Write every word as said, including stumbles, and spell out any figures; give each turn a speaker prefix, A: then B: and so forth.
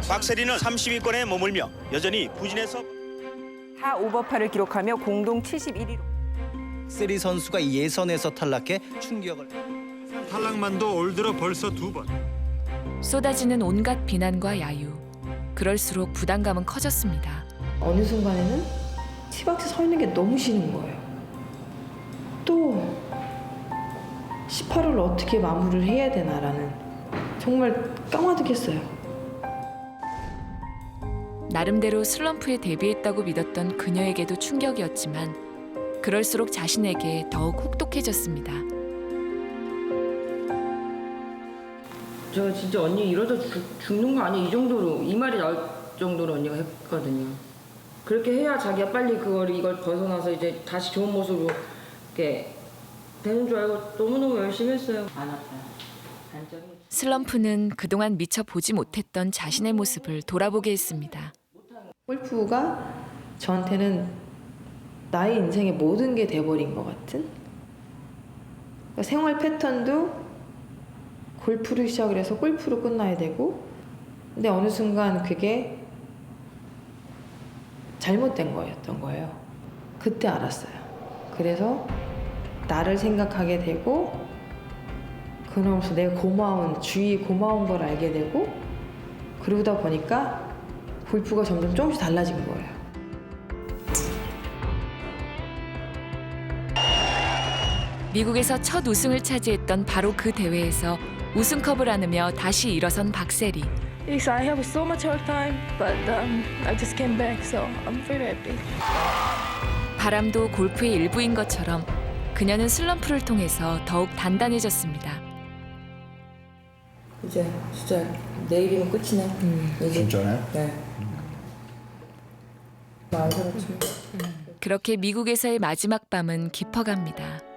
A: 박세리는 삼십 위권에 머물며 여전히 부진해서
B: 사 오버파를 기록하며 공동 칠십일 위로.
C: 세리 선수가 예선에서 탈락해 충격을.
D: 탈락만도 올 들어 벌써 두 번.
E: 쏟아지는 온갖 비난과 야유. 그럴수록 부담감은 커졌습니다.
F: 어느 순간에는 티박스에 서 있는 게 너무 싫은 거예요. 또 십팔 호를 어떻게 마무리를 해야 되나라는 정말 까마득했어요.
E: 나름대로 슬럼프에 대비했다고 믿었던 그녀에게도 충격이었지만 그럴수록 자신에게 더욱 혹독해졌습니다.
G: 저 진짜 언니 이러다 죽, 죽는 거 아니야? 이 정도로 이 말이 나올 정도로 언니가 했거든요. 그렇게 해야 자기가 빨리 그걸 이걸 벗어나서 이제 다시 좋은 모습으로 이렇게 되는 줄 알고 너무너무 열심히 했어요. 안 아파요. 단점이.
E: 슬럼프는 그동안 미처 보지 못했던 자신의 모습을 돌아보게 했습니다.
F: 골프가 저한테는 나의 인생의 모든 게 돼버린 것 같은? 그러니까 생활 패턴도 골프로 시작을 해서 골프로 끝나야 되고, 근데 어느 순간 그게 잘못된 거였던 거예요. 그때 알았어요. 그래서 나를 생각하게 되고, 그러면서 내가 고마운, 주위에 고마운 걸 알게 되고, 그러다 보니까 골프가 점점 조금씩 달라진 거예요.
E: 미국에서 첫 우승을 차지했던 바로 그 대회에서 우승컵을 안으며 다시 일어선 박세리.
H: Yes, I have so much hard time, but um, I just came back, so I'm very happy.
E: 바람도 골프의 일부인 것처럼 그녀는 슬럼프를 통해서 더욱 단단해졌습니다.
G: 이제 진짜 내일이면 끝이네. 음. 이제.
D: 진짜네?
G: 네. 많이 살았지.
E: 그렇게 미국에서의 마지막 밤은 깊어갑니다.